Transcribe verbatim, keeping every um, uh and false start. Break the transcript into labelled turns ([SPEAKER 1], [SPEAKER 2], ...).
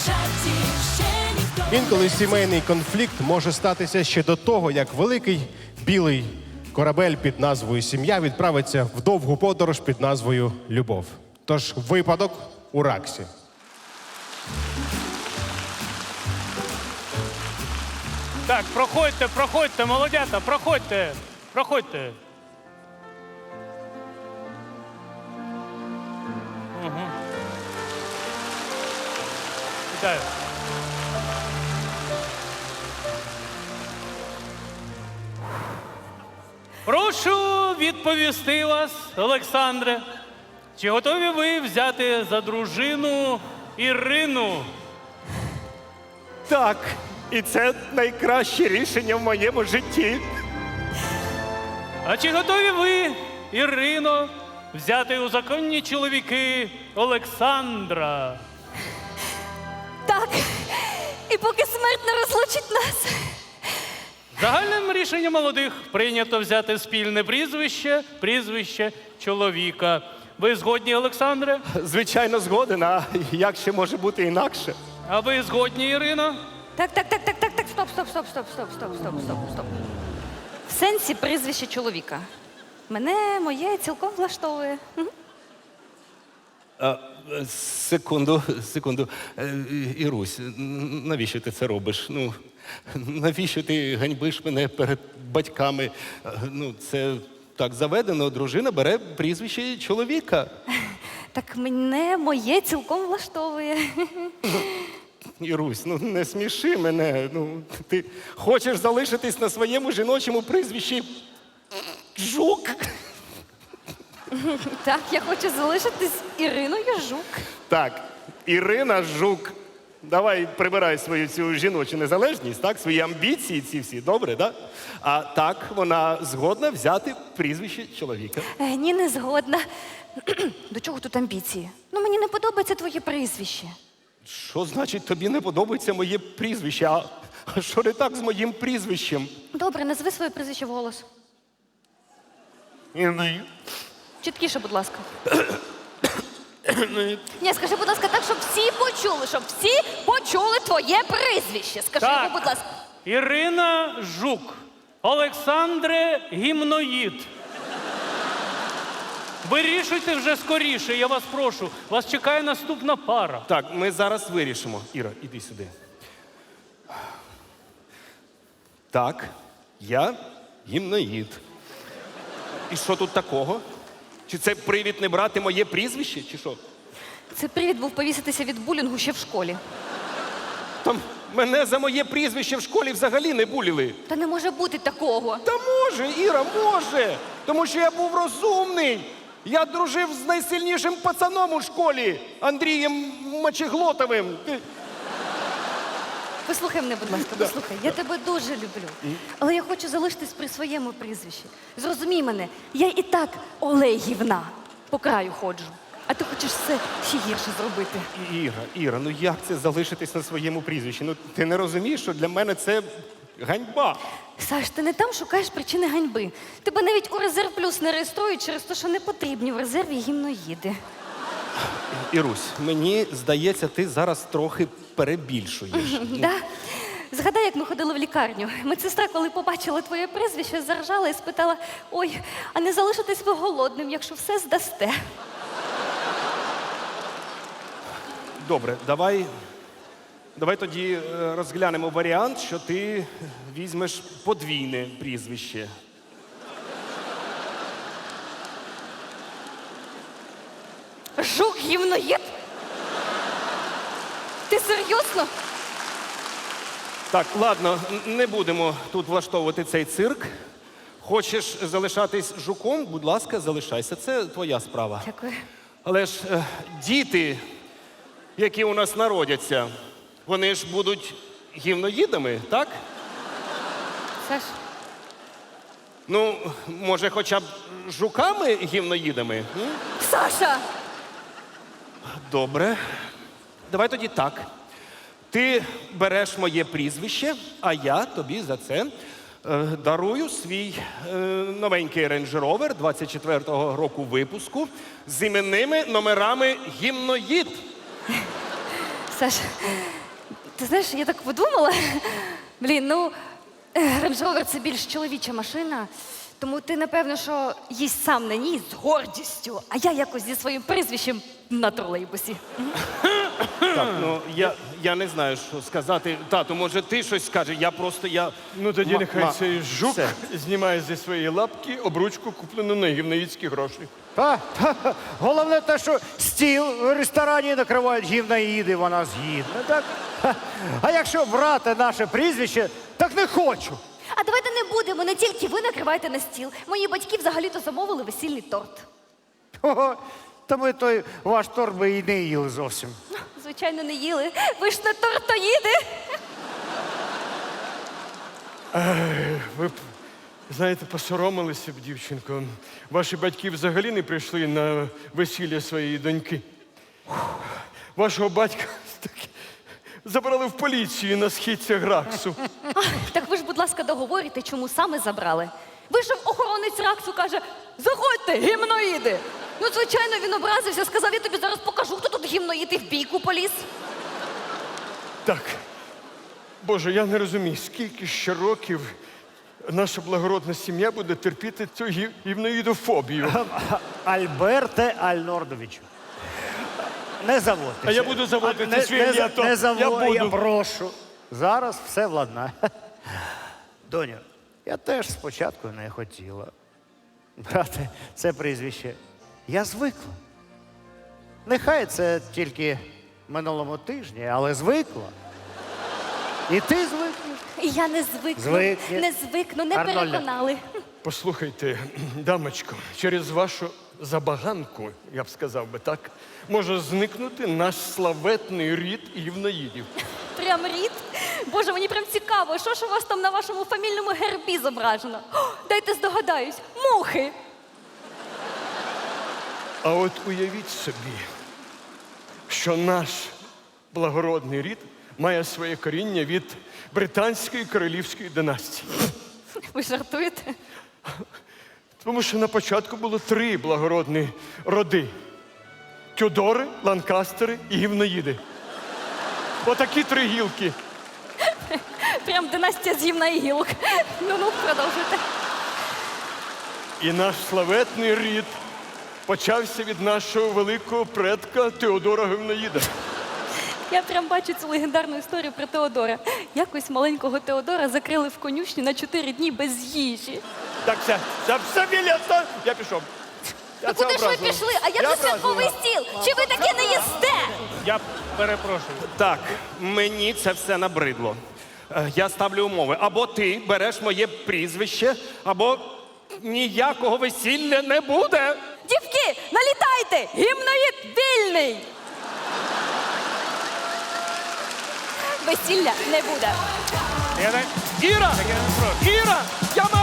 [SPEAKER 1] Інколи сімейний конфлікт може статися ще до того, як великий білий корабель під назвою «Сім'я» відправиться в довгу подорож під назвою «Любов». Тож випадок у Раксі.
[SPEAKER 2] Так, проходьте, проходьте, молодята, проходьте, проходьте. Угу. Вітаю. Прошу відповісти вас, Олександре. Чи готові ви взяти за дружину Ірину?
[SPEAKER 3] Так, і це найкраще рішення в моєму житті.
[SPEAKER 2] А чи готові ви, Ірино, взяти у законні чоловіки Олександра?
[SPEAKER 4] Так, і поки смерть не розлучить нас.
[SPEAKER 2] Загальним рішенням молодих прийнято взяти спільне прізвище, прізвище чоловіка. Ви згодні, Олександре?
[SPEAKER 3] Звичайно, згоден, а як ще може бути інакше?
[SPEAKER 2] А ви згодні, Ірино?
[SPEAKER 4] Так, так, так, так, так, так, стоп, стоп, стоп, стоп, стоп, стоп, стоп, стоп, стоп. В сенсі прізвище чоловіка. Мене моє цілком влаштовує. Мгм.
[SPEAKER 3] А, секунду, секунду. Е, Ірусь, навіщо ти це робиш? Ну, навіщо ти ганьбиш мене перед батьками? Е, Ну, це так заведено, дружина бере прізвище чоловіка.
[SPEAKER 4] Так мене моє цілком влаштовує.
[SPEAKER 3] Ірусь, ну не сміши мене. Ну, ти хочеш залишитись на своєму жіночому прізвищі Жук?
[SPEAKER 4] Так, я хочу залишитись Іриною Жук.
[SPEAKER 3] Так, Ірина Жук. Давай прибирай свою цю жіночу незалежність, так, свої амбіції ці всі, добре, так? А так, вона згодна взяти прізвище чоловіка.
[SPEAKER 4] Е, ні, не згодна. До чого тут амбіції? Ну, мені не подобається твоє прізвище.
[SPEAKER 3] Що значить тобі не подобається моє прізвище? А а що не так з моїм прізвищем?
[SPEAKER 4] Добре, назви своє прізвище вголос.
[SPEAKER 3] Іни.
[SPEAKER 4] Чіткіше, будь ласка. Ні, скажи, будь ласка, так, щоб всі почули, щоб всі почули твоє прізвище. Скажи
[SPEAKER 2] Так.
[SPEAKER 4] йому, будь ласка.
[SPEAKER 2] Ірина Жук. Олександре Гімноїд. Вирішуйте вже скоріше, я вас прошу. Вас чекає наступна пара.
[SPEAKER 3] Так, ми зараз вирішимо. Іра, іди сюди. Так, я гімноїд. І що тут такого? Чи це привід не брати моє прізвище, чи що?
[SPEAKER 4] Це привід був повіситися від булінгу ще в школі.
[SPEAKER 3] Там мене за моє прізвище в школі взагалі не буліли.
[SPEAKER 4] Та не може бути такого.
[SPEAKER 3] Та може, Іра, може. Тому що я був розумний. Я дружив з найсильнішим пацаном у школі, Андрієм Мочеглотовим. Ти-
[SPEAKER 4] Послухай мене, будь ласка, послухай. Я тебе дуже люблю. Але я хочу залишитись при своєму прізвищі. Зрозумій мене, я і так Олегівна по краю ходжу. А ти хочеш все ще гірше зробити.
[SPEAKER 3] Іра, Іра, ну як це залишитись на своєму прізвищі? Ну ти не розумієш, що для мене це ганьба.
[SPEAKER 4] Саш, ти не там шукаєш причини ганьби. Тебе навіть у резерв плюс не реєструють через те, що не потрібні в резерві гімноїди.
[SPEAKER 3] Ірусь, мені здається, ти зараз трохи перебільшуєш.
[SPEAKER 4] Да? Згадай, як ми ходили в лікарню. Медсестра, коли побачила твоє прізвище, заржала і спитала: ой, а не залишитесь ви голодним, якщо все здасте.
[SPEAKER 3] Добре, давай, давай тоді е, розглянемо варіант, що ти візьмеш подвійне прізвище.
[SPEAKER 4] Жук гімноїд? Ти серйозно?
[SPEAKER 3] Так, ладно, н- не будемо тут влаштовувати цей цирк. Хочеш залишатись жуком, будь ласка, залишайся. Це твоя справа.
[SPEAKER 4] Дякую.
[SPEAKER 3] Але ж е, діти, які у нас народяться, вони ж будуть гівноїдами, так?
[SPEAKER 4] Саш,
[SPEAKER 3] Ну, може, хоча б жуками гівноїдами? М?
[SPEAKER 4] Саша!
[SPEAKER 3] Добре. Давай тоді так. Ти береш моє прізвище, а я тобі за це е, дарую свій е, новенький Range Rover двадцять четвертого року випуску з іменними номерами гімноїд.
[SPEAKER 4] Саш, ти знаєш, я так подумала. Блін, ну, Range Rover – це більш чоловіча машина, тому ти, напевно, що їсть сам на ній з гордістю, а я якось зі своїм прізвищем на тролейбусі.
[SPEAKER 3] Так, ну я, я не знаю, що сказати. Тату, може, ти щось скажеш? Я просто я.
[SPEAKER 5] Ну тоді
[SPEAKER 3] Ма-
[SPEAKER 5] нехай
[SPEAKER 3] ма-
[SPEAKER 5] цей жук
[SPEAKER 3] Все.
[SPEAKER 5] знімає зі своєї лапки обручку, куплену на гівнаїцькі гроші.
[SPEAKER 6] Та, та, головне те, що стіл в ресторані накривають гівнаїди, вона згідна. Так? Ха. А якщо брати наше прізвище, так не хочу.
[SPEAKER 4] А давайте не будемо, не тільки ви накриваєте на стіл. Мої батьки взагалі-то замовили весільний торт.
[SPEAKER 6] Ого, та ми той ваш торт би і не їли зовсім.
[SPEAKER 4] Звичайно, не їли. Ви ж не тортоїди.
[SPEAKER 5] Ви б, знаєте, посоромилися б, дівчинко. Ваші батьки взагалі не прийшли на весілля своєї доньки. Вашого батька таки забрали в поліцію на східцях Граксу.
[SPEAKER 4] Ах, так ви ж, будь ласка, договорите, чому саме забрали. Вийшов охоронець Раксу, каже, заходьте, гімноїди. Ну, звичайно, він образився, сказав, я тобі зараз покажу, хто тут гімноїд, і в бійку поліз.
[SPEAKER 5] Так, Боже, я не розумію, скільки ще років наша благородна сім'я буде терпіти цю гів- гівноїдофобію.
[SPEAKER 6] Альберте Альнордовичу. Не заводьтеся.
[SPEAKER 5] А я буду заводити
[SPEAKER 6] не,
[SPEAKER 5] свій
[SPEAKER 6] не,
[SPEAKER 5] ім'я, то
[SPEAKER 6] не
[SPEAKER 5] я
[SPEAKER 6] заво- я
[SPEAKER 5] буду.
[SPEAKER 6] прошу. Зараз все владнає. Доню, я теж спочатку не хотіла брати це прізвище. Я звикла. Нехай це тільки минулому тижні, але звикла. І ти звикнеш.
[SPEAKER 4] І я не звикну,
[SPEAKER 6] Звикне.
[SPEAKER 4] не звикну, не
[SPEAKER 6] Арнольде.
[SPEAKER 4] переконали.
[SPEAKER 5] Послухайте, дамочко, через вашу забаганку, я б сказав би так, може зникнути наш славетний рід гівноїдів.
[SPEAKER 4] Прям рід. Боже, мені прям цікаво, що ж у вас там на вашому фамільному гербі зображено? О, дайте здогадаюсь, мухи.
[SPEAKER 5] А от уявіть собі, що наш благородний рід має своє коріння від британської королівської династії.
[SPEAKER 4] Ви жартуєте?
[SPEAKER 5] Тому що на початку було три благородні роди: Тюдори, Ланкастери і гівноїди. Отакі три гілки.
[SPEAKER 4] Прям династія з гімна і гілок. Ну-ну, продовжуйте.
[SPEAKER 5] І наш славетний рід почався від нашого великого предка Теодора Гівноїда.
[SPEAKER 4] Я прям бачу цю легендарну історію про Теодора. Якось маленького Теодора закрили в конюшні на чотири дні без їжі.
[SPEAKER 5] Так, все, все, все, Віля, все, я пішов. Я
[SPEAKER 4] Ну
[SPEAKER 5] це
[SPEAKER 4] куди ж ви
[SPEAKER 5] образливо.
[SPEAKER 4] пішли? А як
[SPEAKER 5] Я
[SPEAKER 4] же святковий стіл? Чи ви таке не їсте?
[SPEAKER 2] Я перепрошую.
[SPEAKER 3] Так, мені це все набридло. Е, Я ставлю умови. Або ти береш моє прізвище, або ніякого весілля не буде.
[SPEAKER 4] Дівки, налітайте! Гімноїд вільний! Весілля не буде.
[SPEAKER 2] Я не...
[SPEAKER 3] Іра! Іра! Я